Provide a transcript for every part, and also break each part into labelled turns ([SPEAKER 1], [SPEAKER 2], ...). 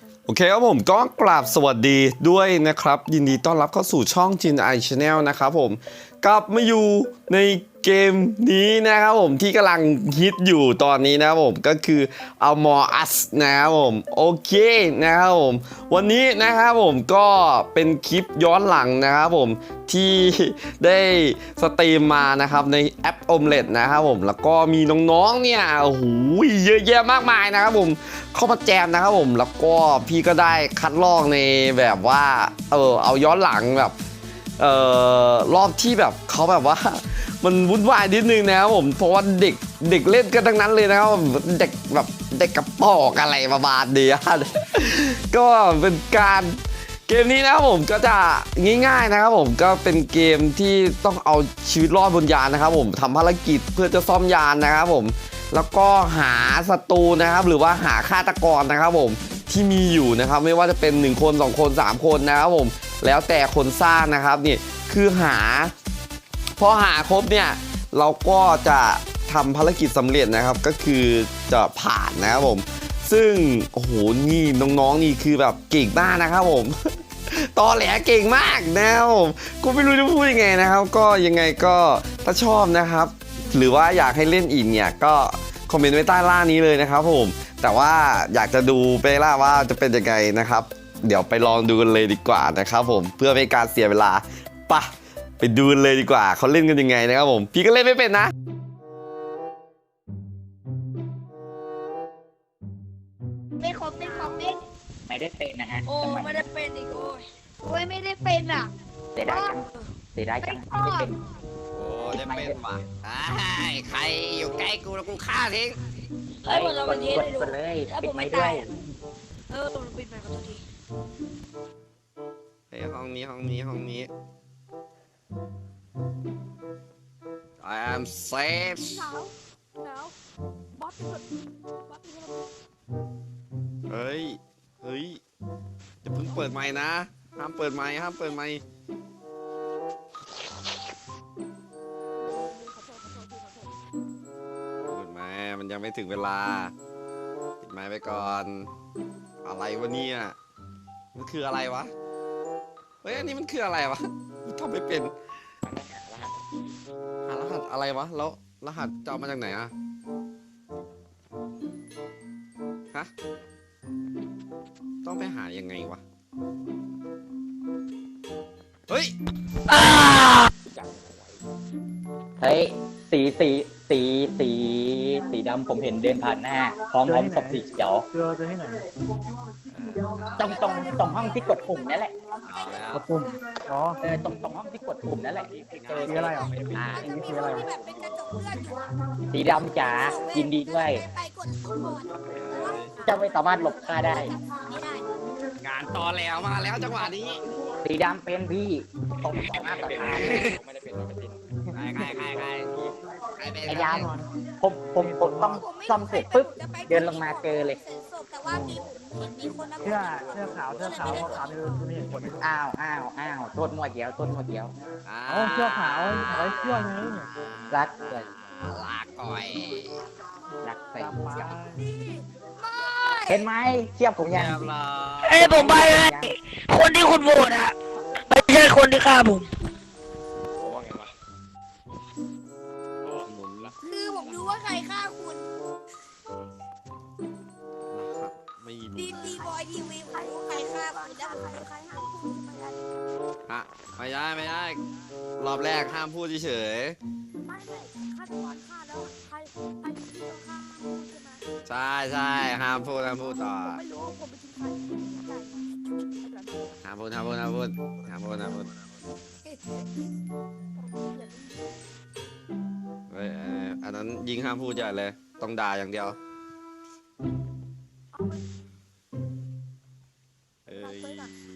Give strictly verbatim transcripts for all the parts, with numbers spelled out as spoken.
[SPEAKER 1] โอเคครับผมก็กราบสวัสดีด้วยนะครับยินดีต้อนรับเข้าสู่ช่อง จิน ไอ Channel นะครับผมกลับมาอยู่ในเกมนี้นะครับผมที่กำลังฮิตอยู่ตอนนี้นะครับผมก็คือ Among Us นะครับผมโอเคนะครับผมวันนี้นะครับผมก็เป็นคลิปย้อนหลังนะครับผมที่ได้สตรีมมานะครับในแอป Omelet นะครับผมแล้วก็มีน้องๆเนี่ยโอ้โหเยอะแยะมากมายนะครับผมเข้ามาแจมนะครับผมแล้วก็พี่ก็ได้คัดลอกในแบบว่าเออเอาย้อนหลังแบบเอ่อรอบที่แบบเขาแบบว่ามันวุ่นวายนิดนึงนะครับผมเพราะว่าเด็กเด็กเล่นกันทั้งนั้นเลยนะครับเด็กแบบเด็กกระปอกอะไรประมาณนี้ก็เป็นการเกมนี้นะครับผมก็จะง่ายๆนะครับผมก็เป็นเกมที่ต้องเอาชีวิตรอดบนยานนะครับผมทำภารกิจเพื่อจะซ่อมยานนะครับผมแล้วก็หาศัตรูนะครับหรือว่าหาฆาตกรนะครับผมที่มีอยู่นะครับไม่ว่าจะเป็นหนึ่งคนสองคนสามคนนะครับผมแล้วแต่คนสร้างนะครับนี่คือหาพอหาครบเนี่ยเราก็จะทำภารกิจสำเร็จนะครับก็คือจะผ่านนะครับผมซึ่งโอ้โหนี่น้องๆนี่คือแบบเก่งมากนะครับผม ตอแหลเก่งมากนะครับผมก็ไม่รู้จะพูดยังไงนะครับก็ยังไงก็ถ้าชอบนะครับหรือว่าอยากให้เล่นอีกเนี่ยก็คอมเมนต์ไว้ใต้ล่างนี้เลยนะครับผมแต่ว่าอยากจะดูไปล่าว่าจะเป็นยังไงนะครับเดี๋ยวไปลองดูกันเลยดีกว่านะครับผมเพื่อไม่การเสียเวลาปะไปดูกันเลยดีกว่าเขาเล่นกันยังไงนะครับผมพี่ก็เล่นไม่เป็นนะ
[SPEAKER 2] ไม่ครบไม่ครบไม่
[SPEAKER 3] ไม่ได้เป็นนะฮะ
[SPEAKER 2] โอ้
[SPEAKER 3] จังหวะ
[SPEAKER 2] ไม่ได้เป็นอีกโอ้ยโอ้ยไม่ได้เป็นอ่ะ
[SPEAKER 3] เสียดายจังเสียดายจังไม่ได้เป็น
[SPEAKER 1] โอ้ได้เป็นว่ะใครอยู่ใกล้กูแล้วกูฆ่าทิ้ง
[SPEAKER 2] เฮ้ยเรา
[SPEAKER 3] ก
[SPEAKER 2] เป็
[SPEAKER 3] ด
[SPEAKER 2] นเทส
[SPEAKER 3] กด
[SPEAKER 2] เลยดู
[SPEAKER 3] กดเลย
[SPEAKER 2] ถ้า
[SPEAKER 3] ปิ
[SPEAKER 2] ผ
[SPEAKER 3] ด
[SPEAKER 2] ม
[SPEAKER 3] ไม้
[SPEAKER 2] ไม่
[SPEAKER 3] ด้ว
[SPEAKER 2] ตาย
[SPEAKER 3] ย
[SPEAKER 2] อ่ะเออผมปิดไปขอโทษที
[SPEAKER 1] เฮ้ยห้องนี้ห้องนี้ห้องนี้ I am safe
[SPEAKER 2] หนาวหนาวบอสเป็นบอสเป็น
[SPEAKER 1] เฮ้ย เฮ้ยจะเพิ่งเปิดไมค์นะ ห้ามเปิดไมค์ห้ามเปิดไมค์เปิดไมค์มันยังไม่ถึงเวลาปิดไมค์ไปก่อน อะไรวะเนี่ยมันคืออะไรวะ เฮ้ย อันนี้มันคืออะไรวะทำไม่เป็นหารหัสอะไรวะ แล้วรหัสจะเอามาจากไหนอะฮะ ต้องไปหายังไงวะ เฮ้ย
[SPEAKER 3] เฮ้ยสีสีสีสีสีดำผมเห็นเดินผ่านหน้าพร้อมพร้อมศพสีเขียว
[SPEAKER 4] เจอเจอที่ไหน
[SPEAKER 3] ตรงตรงตรงห้องที่กดปุ่มนั่นแหละ
[SPEAKER 1] เอาแล้ว
[SPEAKER 4] กดปุ่มอ๋อ
[SPEAKER 3] เออตรงตรงห้องที่กดปุ่มนั่นแหละเจอ
[SPEAKER 4] สีอะไรอ่ะ
[SPEAKER 3] อ่า
[SPEAKER 2] มันจะมีคนที่แบบเป็นกระจกเลือดอยู่
[SPEAKER 3] สีดำจ๋ายินดีด้วย
[SPEAKER 2] ไปกดปุ่มก่อน
[SPEAKER 3] เจะไม่สามารถหลบค่าได้
[SPEAKER 2] ไม่ได้
[SPEAKER 1] งานตอแล้วมาแล้วจังหวะนี้
[SPEAKER 3] สีดำเป็นพี่ตรงต่อหน้าต่อตา
[SPEAKER 1] ใครใครใครใครใครเป็น
[SPEAKER 3] ไอ้ยามผมผมผมต้องซ่อมเสร็จปุ๊บเดินลงมาเจอเลย
[SPEAKER 2] เสร็จศพแต่ว่ามีผมเห็นมีคนนะ
[SPEAKER 4] เสื้อเสื้อขาวเสื้อขาวขาวขาวนี่คือไม่เห็นคน
[SPEAKER 3] อ้าวอ้าวอ้าวโทษมัวเดียวโทษมัวเดียว
[SPEAKER 1] อ่า
[SPEAKER 4] อ๋อเสื้อขาวเอาไว้เสื้อไง
[SPEAKER 3] รักเลย
[SPEAKER 1] ลาก่อย
[SPEAKER 3] รักใส่
[SPEAKER 4] จำมา
[SPEAKER 3] เห็นไหมเทียบผมยัง
[SPEAKER 1] เรียบร้อย
[SPEAKER 5] เอ้ยผมไปให้คนที่คุณโหวตอะไม่ใช่คนที่ฆ่าผม
[SPEAKER 1] หมุนละ
[SPEAKER 2] คือผมรู้ว่าใครฆ่าคุณ
[SPEAKER 1] ไม่รู้
[SPEAKER 2] ดีดีบอยทีวีผมรู้ใครฆ่าคุณแล้วผมรู้ใครฆ่าคุณใช่ไหม
[SPEAKER 1] ฮะไม่ได้ไม่ได้ รอบแรกห้ามพูดเฉย
[SPEAKER 2] ไม่ไม่ฆาตกรฆ่าแล้วใครใครที่ต้องฆ่าคุณใช่ไหม
[SPEAKER 1] ๆใช่ใช่ห้ามพูดห้ามพูดต่อ
[SPEAKER 2] ผมไม่รู้ว่าผมไปทิ้งใครไม่ได้
[SPEAKER 1] ห้ามพูดห้ามพูดห้ามพูดห้ามพูดห้ามพูดเฮ้ยเอ่ออันนั้นยิงห้ามพูดใหญ่เลยต้องด่าอย่างเดียวเอ้ย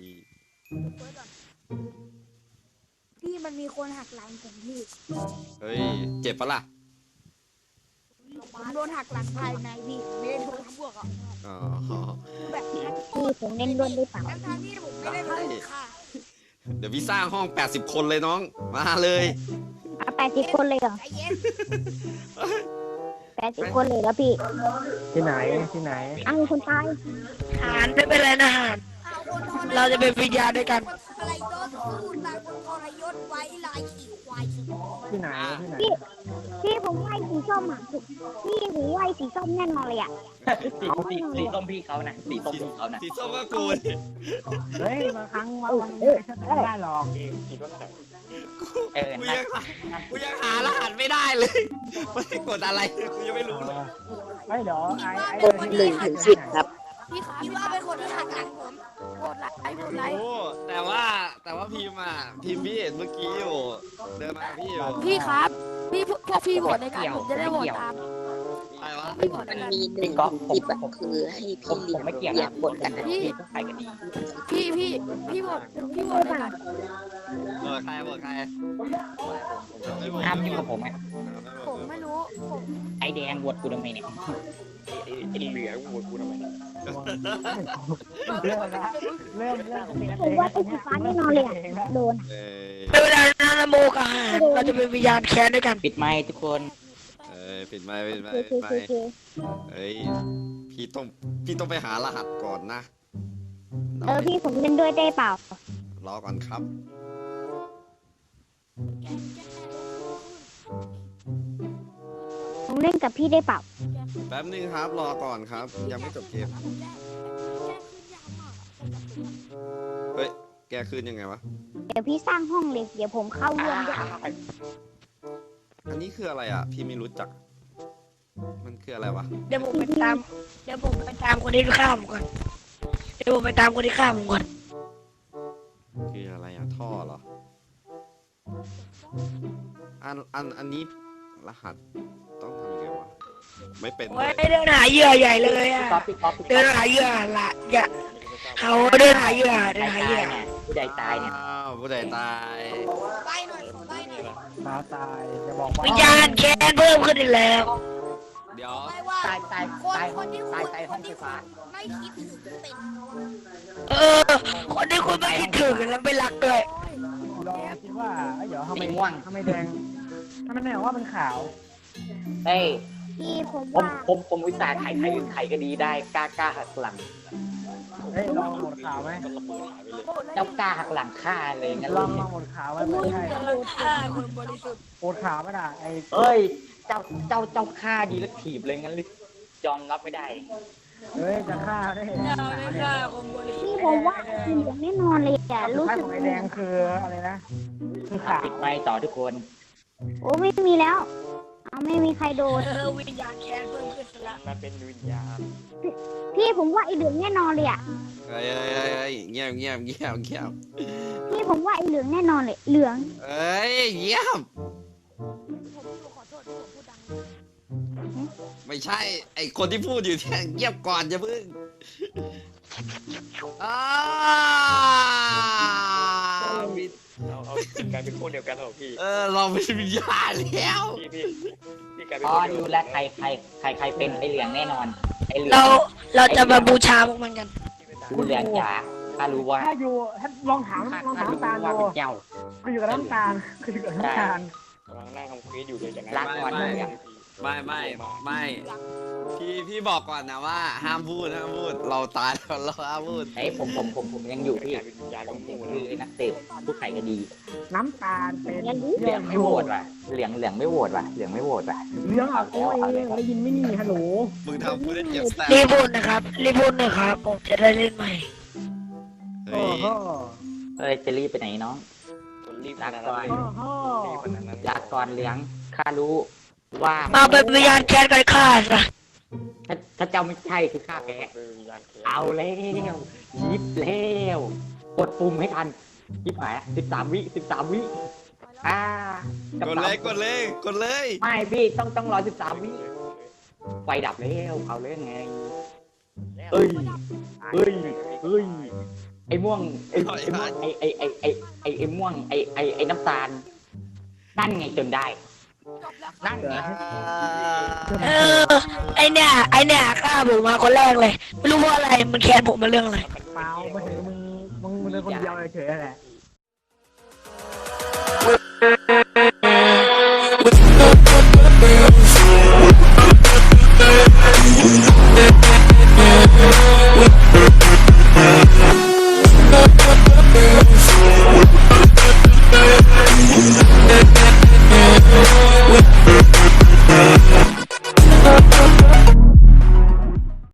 [SPEAKER 2] พี่มันมีคนหักหลังผมพี่
[SPEAKER 1] เฮ้ยเจ็บปะล่ะ
[SPEAKER 2] ผมโดนหักหลังภายในพี่ไม่ได้โดนทั้งพวกอ่ะ
[SPEAKER 1] อ๋อ
[SPEAKER 2] แบบนี้
[SPEAKER 5] พี่ผมเล่นด้วยหรือเปล่า
[SPEAKER 2] ทั้งทางที่ผมไม่ได้โดนค่ะ
[SPEAKER 1] เดี๋ยวพี่สร้างห้องแปดสิบคนเลยน้องมาเลย
[SPEAKER 5] เอาแปดสิบคนเลยเหรอ
[SPEAKER 2] ใจเย็นแปดสิบคนเลยแล้วพี่
[SPEAKER 4] ที่ไหนที่ไหน
[SPEAKER 2] อ้าวมีคนตาย
[SPEAKER 5] หานไม่เป็นไรนะหานเราจะเป็นวิญญาณด้วยกัน
[SPEAKER 2] อะไรยศพูดตามคนทรยศไว้ลายขี่ควายขี่
[SPEAKER 4] ที่ไหนที่ไหน
[SPEAKER 2] พี่พี่ผมไหวสีส้มอ่ะพี่ผมไหวสีส้มแน่นอนเลยอ่ะ
[SPEAKER 3] สีสีสีส้มพี่เขานะสีส้มพี่เขานะ
[SPEAKER 1] สีส้มก็กูดิ
[SPEAKER 4] เฮ้ยบางครั้งมันไม่ได้หรอก
[SPEAKER 3] เออ
[SPEAKER 1] กู
[SPEAKER 3] นั่
[SPEAKER 1] ยัง
[SPEAKER 3] น
[SPEAKER 1] กูยังหารหัสไม่ได้เลยไม่ได้กดอะไรกูยังไม่รู้เลย
[SPEAKER 4] ไอ้เดี๋ยวไอ้ไอ้
[SPEAKER 6] หนึ่งถึงสิบครับ
[SPEAKER 2] พี่พี่ว่าเป็นคนที่หักหลังผมโหดไลค์โหดไลค์
[SPEAKER 1] โอ้แต่ว่าแต่ว่าพิมพ์อ่ะพิมพ์พี่เห็นเมื่อกี้อยู่เดินมากับพี่อยู่
[SPEAKER 2] พี่ครับ พี่พวกพี่โหวตในการผมจะได้โหวตตาม
[SPEAKER 1] อะไรวะ
[SPEAKER 2] พี่โหวตใน
[SPEAKER 6] มัน
[SPEAKER 2] การ
[SPEAKER 6] มีหนึ่งถึงสิบอะคือให้
[SPEAKER 3] ผ
[SPEAKER 6] พี่
[SPEAKER 3] ม
[SPEAKER 6] เลี้ยง
[SPEAKER 3] ผมไม่เกี่ยว
[SPEAKER 6] เลี้ย
[SPEAKER 3] นะ
[SPEAKER 6] งบทกันนะ
[SPEAKER 3] พี่ใครกันดี
[SPEAKER 2] พี่พี่พี่โหวตพี่โหวตในการ
[SPEAKER 1] เออใครบอกใคร
[SPEAKER 3] ห้ามยุ่งกับผมอ่ะ
[SPEAKER 2] ผมไม่รู้ผม
[SPEAKER 3] ไอแดงวดกูทำไมเนี่ย
[SPEAKER 4] เริ่มละเริ่มเริ่มเป็น
[SPEAKER 2] ผมว่าไอ้สีฟ้าแน่นอนเลยอ่ะโดน
[SPEAKER 1] เออ
[SPEAKER 5] ไม่เป็นไรนะนะโมกับหานเราจะเป็นวิญญาณแค้นด้วยกัน
[SPEAKER 3] ปิดไมค์ทุกคน
[SPEAKER 1] เออปิดไมค์ปิดไม
[SPEAKER 2] เค
[SPEAKER 1] ค์
[SPEAKER 2] เค
[SPEAKER 1] ปิดไม
[SPEAKER 2] เค
[SPEAKER 1] ค์
[SPEAKER 2] เค
[SPEAKER 1] เฮ้ยพี่ต้องพี่ต้องไปหารหัสก่อนนะ
[SPEAKER 2] เออพี่ผมเล่นด้วยได้เปล่าร
[SPEAKER 1] อก่อนครับ
[SPEAKER 2] ผมเล่นกับพี่ได้เปล่า
[SPEAKER 1] แป๊บนึงครับรอก่อนครับ ยังไม่จบเกมเฮ้ยแกคืนยังไงวะ
[SPEAKER 2] เดี๋ยวพี่สร้างห้องเลยเดี๋ยวผมเข้าร่วมด้วย
[SPEAKER 1] อันนี้คืออะไรอ่ะ พี่ไม่รู้จัก มันคืออะไรวะ
[SPEAKER 5] เดี๋ยวผมไปตามเดี๋ยวผมไปตามคนที่ฆ่าผมก่อนเดี๋ยวผมไปตามคนที่ฆ่าผมก่อน
[SPEAKER 1] คืออะไรอ่ะท่อเหรอ อันอันอันนี้รหัสต้องทำยังไงวะ ไม่เป็นเล
[SPEAKER 5] โอ้ย
[SPEAKER 1] ย
[SPEAKER 5] เดินหาเหยื่อใหญ่เลยอ่ะ
[SPEAKER 3] ก๊อปปี้ก๊อปปี้
[SPEAKER 5] เดินหาเหยื่อละอย่าเขาเดินหาเหยื่อเดินหาเหยื่อ
[SPEAKER 3] เนี่ยผู้ใดตายเนี่ย
[SPEAKER 1] อ้าวผู้ใดตาย
[SPEAKER 2] ไปหน่อยไปหน่อย
[SPEAKER 4] ฟ้าตายจะบอกว่า
[SPEAKER 5] วิญญาณแค้นเพิ่มขึ้นอีกแล้ว
[SPEAKER 1] เดี๋ยว
[SPEAKER 2] ไปว่า
[SPEAKER 3] ตายตาย
[SPEAKER 2] คน
[SPEAKER 3] ตาย
[SPEAKER 2] คนที่
[SPEAKER 3] ตาย
[SPEAKER 2] คุณ
[SPEAKER 3] ตาย
[SPEAKER 2] ค
[SPEAKER 3] ห้อน งไฟ
[SPEAKER 2] ที่
[SPEAKER 3] ฟ้า
[SPEAKER 2] ไม่คิดถึงเป็น
[SPEAKER 5] เออ คนที่คุณไม่คิดถึงแล้วไม่รักด้วย
[SPEAKER 4] ลองคิดว่าไอ้เดี๋ยวทำไม
[SPEAKER 3] สีม่วง
[SPEAKER 4] ทำไมแดงทำไมแดงว่ามันขาว
[SPEAKER 3] เฮ้ย
[SPEAKER 2] พี่ผม
[SPEAKER 3] ผม
[SPEAKER 2] ว่า
[SPEAKER 3] ผมผมวิสาห์ไข่ไข่ไข่ก็ดีได้กล้ากล้าหักหลัง
[SPEAKER 4] เฮ้ยลองหมดขาวไหม
[SPEAKER 3] เจ้ากล้าหักหลังฆ่าเลยงั้น
[SPEAKER 4] ล
[SPEAKER 3] เล
[SPEAKER 4] อง
[SPEAKER 3] ย
[SPEAKER 4] ลองหมดขาวไหมไม่ใช่
[SPEAKER 5] ฆ่าคนบริสุทธิ์
[SPEAKER 4] โคตรขาวไม่ได้ไอ้
[SPEAKER 3] เอ้ย เจ้าเจ้าเจ้าฆ่าดีแล้วถีบเลยงั้นเลยยอมรับไม่ได้
[SPEAKER 4] เฮ้ยจะฆ่าได้
[SPEAKER 5] ไม่ฆ่าคนบริสุทธิ์
[SPEAKER 2] พี่ผมว่าทีมแน่นอนเลยอ่ะ
[SPEAKER 4] รู้
[SPEAKER 2] รู้
[SPEAKER 4] สึ
[SPEAKER 2] สึ
[SPEAKER 4] ก
[SPEAKER 2] ก
[SPEAKER 4] ไอ้แดงคืออะไรนะคือขาว
[SPEAKER 3] ปิดไมค์ต่อทุกคน
[SPEAKER 2] โอ้ไม่มีแล้วเอาไม่มีใครโดน
[SPEAKER 5] เออวิญญาณแค้นเพิ่มขึ้นละ
[SPEAKER 2] พี่ผมว่าไอเหลืองแน่นอนเลยอ่ะ
[SPEAKER 1] เฮ้ยเฮ้ยเฮ้ยเฮ้ยเงียบเงียบเงียบเงียบ
[SPEAKER 2] พี่ผมว่าไอเหลืองแน่นอนเลยเหลือง
[SPEAKER 1] เอ้ยเงียบ ไม่ใช่ ไอคนที่พูดอยู่เนี่ยเงียบก่อนอย่าเพิ่งอ้าวมี
[SPEAKER 7] เอาเอากลายเป็นคนเดียวกันเหรอพี่
[SPEAKER 1] เออเราเป็นวิญญาณแล้ว
[SPEAKER 7] พี่พี่พี่กลายเป็น
[SPEAKER 3] อ๋อ
[SPEAKER 7] คนเดียว
[SPEAKER 3] ดูแลวใครใครใครใครเป็นไอเหลืองแน่นอนไอเหลือง
[SPEAKER 5] เราเราจะมาบูชาพวกมันกัน
[SPEAKER 3] ดูเหลืองจ๋าถ้ารู้ว่า
[SPEAKER 4] ถ้าอยู่ถ้าลองถาม
[SPEAKER 3] ถ้า
[SPEAKER 4] ลอง
[SPEAKER 3] ถ้า
[SPEAKER 4] ถาม
[SPEAKER 3] รู้
[SPEAKER 4] น้ำตาล
[SPEAKER 3] ว่า
[SPEAKER 4] ดู
[SPEAKER 3] เป็นเจ้า
[SPEAKER 4] คืออยู่กับน้ำตาลคืออยู่กับน้ำตาล
[SPEAKER 7] กำลังนั่งทำควิสอยู่เลยจากนั้น
[SPEAKER 3] รักก่อน
[SPEAKER 1] ไม่
[SPEAKER 3] เหลือง
[SPEAKER 1] ไม่ไม่ไม่พี่พี่บอกก่อนนะว่า ห้ามพูดห้ามพูด เราตายแล้วเราห้ามพูด
[SPEAKER 3] ไอ้ยผมผมผมผมยังอยู่พี่
[SPEAKER 7] กลายเป็นวิญญาณ
[SPEAKER 3] ผ
[SPEAKER 7] ขอ
[SPEAKER 3] ม
[SPEAKER 7] งห
[SPEAKER 3] คื
[SPEAKER 7] มู
[SPEAKER 3] อ
[SPEAKER 7] นะ
[SPEAKER 3] ไอ้นักเตะผู้ไข่ก็ดี
[SPEAKER 4] น้ำตาลเป็น
[SPEAKER 3] เหลืองไม่โหวตว่ะเหลืองเหลืองไม่โหวตว่ะเหลืองไม่โหวตว่ะ
[SPEAKER 4] เรื่องอ่ะโอ้ยได้ยินไม่นี่ฮัลโหล
[SPEAKER 1] มึงทำกูได้เจ็บแสบ
[SPEAKER 5] รีบพูดนะครับรีบพูดนะครับผมจะได้เล่นใหม่
[SPEAKER 1] เฮ้
[SPEAKER 4] โอ้
[SPEAKER 1] ย
[SPEAKER 4] โห
[SPEAKER 3] เอ้ยจะรีบไปไหนน้อง
[SPEAKER 7] คนรีบ
[SPEAKER 3] รัก
[SPEAKER 7] นะ
[SPEAKER 3] ก่อน
[SPEAKER 4] โอ้โห
[SPEAKER 7] รีบขนาดนั้น
[SPEAKER 3] ลาก่อนเหลืองข้ารู้ว่า
[SPEAKER 5] มาเป็นวิญญาณแค้นกันฆ่าซะ
[SPEAKER 3] ถ้าถ้าเจ้าไม่ใช่คือข้าแก
[SPEAKER 7] เป็นวิญญาณแค้น
[SPEAKER 3] เอาแล้วยิบแล้วกดปุ่มให้ทันยิบหายสิบสามวิสิบสามวิอ่าก
[SPEAKER 1] ดเลยกดเลยกดเลย
[SPEAKER 3] ไม่พี่ต้องต้องรอสิบสามวิไฟดับแล้วเอาเรื่องไงเอ้ยเอ้ยเอ้ยไอ้ม่วงไอ้ไอ้ม่วงไอ้ไอ้ไอ้ไอ้ไอ้ไอ้ม่วงไอ้ไอ้ไอ้น้ำตาลนั่นไงจนได้นั่นไง
[SPEAKER 5] เออไอเนี่ยไอเนี่ยฆ่าผมมาคนแรกเลย ไม่รู้เพราะอะไรมันแค้นผมมาเรื่องอะไร
[SPEAKER 4] เปล่าไม่ถึงมึงมึงมึงเป็นคนเดียวเฉยๆแหละ
[SPEAKER 5] We'll be right back.